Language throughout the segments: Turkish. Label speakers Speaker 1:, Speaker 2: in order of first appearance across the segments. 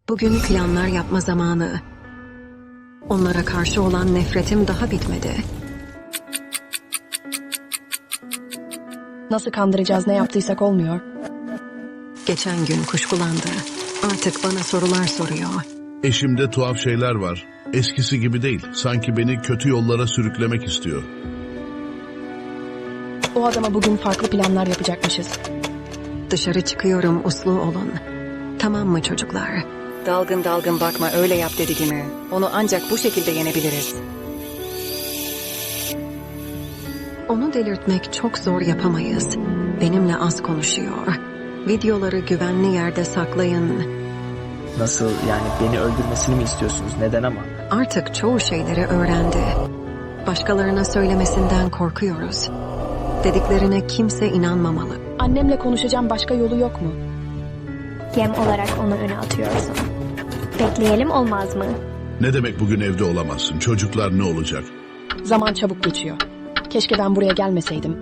Speaker 1: Bugün planlar yapma zamanı. Onlara karşı olan nefretim daha bitmedi.
Speaker 2: Nasıl kandıracağız, ne yaptıysak olmuyor.
Speaker 1: Geçen gün kuşkulandı. Artık bana sorular soruyor.
Speaker 3: Eşimde tuhaf şeyler var. Eskisi gibi değil. Sanki beni kötü yollara sürüklemek istiyor.
Speaker 2: O adama bugün farklı planlar yapacakmışız.
Speaker 1: Dışarı çıkıyorum, uslu olun. Tamam mı çocuklar?
Speaker 4: Dalgın dalgın bakma, öyle yap dediğimi. Onu ancak bu şekilde yenebiliriz.
Speaker 1: Onu delirtmek çok zor, yapamayız. Benimle az konuşuyor. Videoları güvenli yerde saklayın.
Speaker 5: Nasıl yani, beni öldürmesini mi istiyorsunuz? Neden ama?
Speaker 1: Artık çoğu şeyleri öğrendi. Başkalarına söylemesinden korkuyoruz. Dediklerine kimse inanmamalı.
Speaker 2: Annemle konuşacağım, başka yolu yok mu?
Speaker 6: Yem olarak onu öne atıyorsun. Bekleyelim, olmaz mı?
Speaker 3: Ne demek bugün evde olamazsın? Çocuklar ne olacak?
Speaker 2: Zaman çabuk geçiyor. Keşke ben buraya gelmeseydim.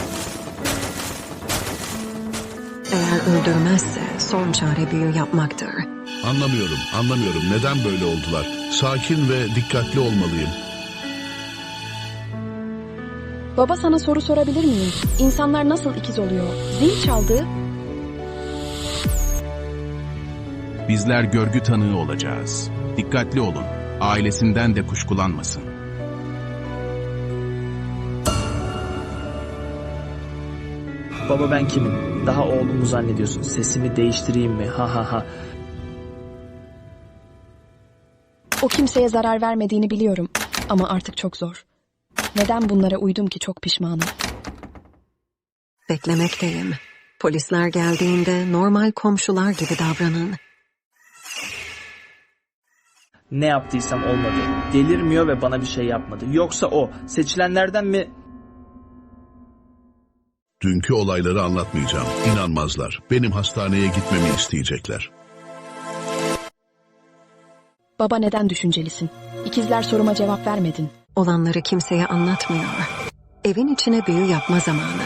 Speaker 1: Eğer öldürmezse son çare büyü yapmaktır.
Speaker 3: Anlamıyorum. Neden böyle oldular? Sakin ve dikkatli olmalıyım.
Speaker 2: Baba, sana soru sorabilir miyim? İnsanlar nasıl ikiz oluyor? Zil çaldı.
Speaker 7: Bizler görgü tanığı olacağız. Dikkatli olun. Ailesinden de kuşkulanmasın.
Speaker 5: Baba, ben kimim? Daha oğlumu zannediyorsun. Sesimi değiştireyim mi? Ha ha ha.
Speaker 2: O kimseye zarar vermediğini biliyorum. Ama artık çok zor. Neden bunlara uydum ki, çok pişmanım.
Speaker 1: Beklemekteyim. Polisler geldiğinde normal komşular gibi davranın.
Speaker 5: Ne yaptıysam olmadı. Delirmiyor ve bana bir şey yapmadı. Yoksa o seçilenlerden mi?
Speaker 3: Dünkü olayları anlatmayacağım. İnanmazlar. Benim hastaneye gitmemi isteyecekler.
Speaker 2: Baba, neden düşüncelisin? İkizler soruma cevap vermedin.
Speaker 1: Olanları kimseye anlatmıyor. Evin içine büyü yapma zamanı.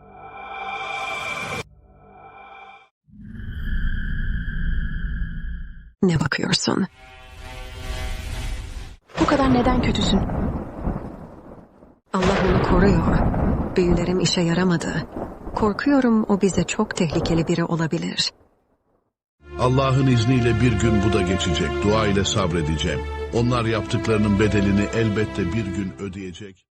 Speaker 1: Ne bakıyorsun?
Speaker 2: Bu kadar neden kötüsün?
Speaker 1: Allah onu koruyor. Büyülerim işe yaramadı. Korkuyorum o bize çok tehlikeli biri olabilir.
Speaker 3: Allah'ın izniyle bir gün bu da geçecek. Dua ile sabredeceğim. Onlar yaptıklarının bedelini elbette bir gün ödeyecek.